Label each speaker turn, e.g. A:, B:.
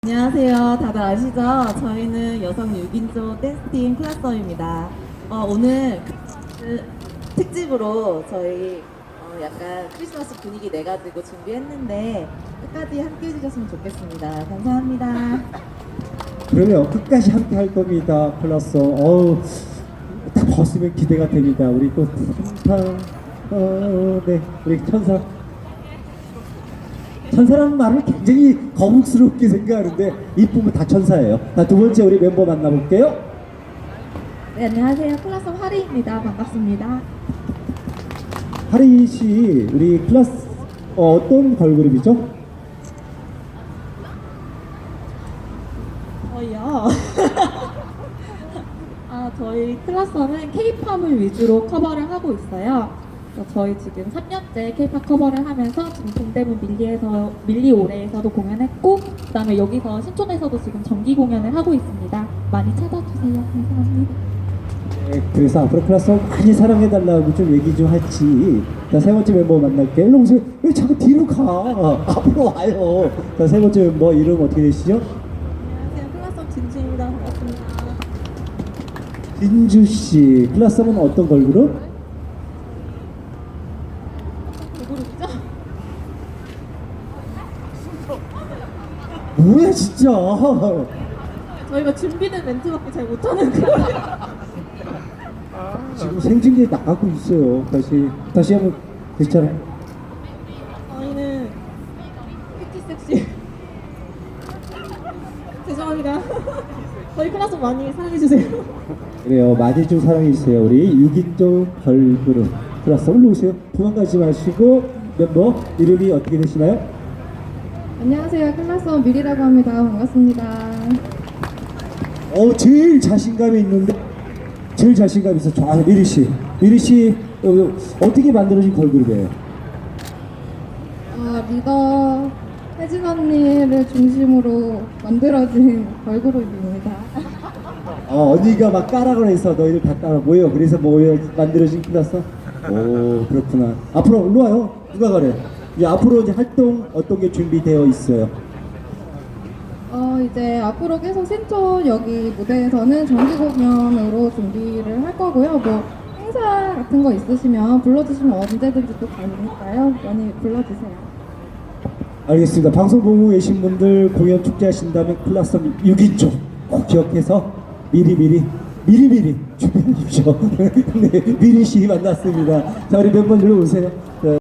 A: 안녕하세요. 다들 아시죠? 저희는 여성 6인조 댄스팀 클라썸입니다. 오늘 특집으로 저희 약간 크리스마스 분위기 내가지고 준비했는데 끝까지 함께 해주셨으면 좋겠습니다. 감사합니다.
B: 그러면 끝까지 함께 할 겁니다. 플러스 딱 벗으면 기대가 됩니다. 우리 또 네, 우리 천사라는 말을 굉장히 거북스럽게 생각하는데 이쁘면 다 천사예요. 자, 두 번째 우리 멤버 만나볼게요.
A: 네, 안녕하세요. 클라썸 하리입니다. 반갑습니다.
B: 하리 씨, 우리 클래스 어떤 걸그룹이죠?
A: 저희요. 저희 클라썸은 K-팝을 위주로 커버를 하고 있어요. 그래서 저희 지금 3년째 K-팝 커버를 하면서 지금 동대문 밀리 올해에서도 공연했고, 그다음에 여기서 신촌에서도 지금 정기 공연을 하고 있습니다. 많이 찾아주세요. 감사합니다.
B: 네, 그래서 앞으로 클래스 많이 사랑해달라고 좀 얘기 좀 하지. 자, 세 번째 멤버 만날게요. 일로 오세요. 왜 자꾸 뒤로 가? 앞으로 와요. 자, 세 번째 멤버 이름 어떻게 되시죠?
A: 안녕하세요. 클라썸 진주입니다. 반갑습니다.
B: 진주 씨, 클래스는 어떤 걸그룹?
A: 누구죠?
B: 뭐야 진짜?
A: 저희가 준비된 멘트밖에 잘 못하는 거예요.
B: 지금 생중계에 나가고 있어요. 다시 한번 괜찮아요?
A: 저희는 큐티 섹시. 죄송합니다. 저희 클라썸 많이 사랑해주세요.
B: 그래요. 많이 좀 사랑해주세요. 우리 6인조 걸그룹 클래스 올라오세요. 도망가지 마시고 멤버 이름이 어떻게 되시나요?
C: 안녕하세요. 클라썸 미리라고 합니다. 반갑습니다.
B: 제일 자신감이 있는데 제일 자신감 있어. 미리 씨. 미리 씨 어떻게 만들어진 걸그룹이에요?
C: 리더 혜진 언니를 중심으로 만들어진 걸그룹입니다.
B: 언니가 막 까라고 해서 너희들 다 따라 모여. 그래서 만들어진 클래스? 오, 그렇구나. 앞으로 일로 와요. 누가 가래? 이제 앞으로 이제 활동 어떤 게 준비되어 있어요?
C: 이제 앞으로 계속 신촌 여기 무대에서는 정기 공연으로 준비를 할 거고요. 뭐 행사 같은 거 있으시면 불러주시면 언제든지 또 가니까요. 많이 불러주세요.
B: 알겠습니다. 방송 보고 계신 분들 공연 축제 하신다면 클래스 6인조 꼭 기억해서 미리 준비해 주십시오. 네, 미리 씨 만났습니다. 자, 우리 멤버들 오세요.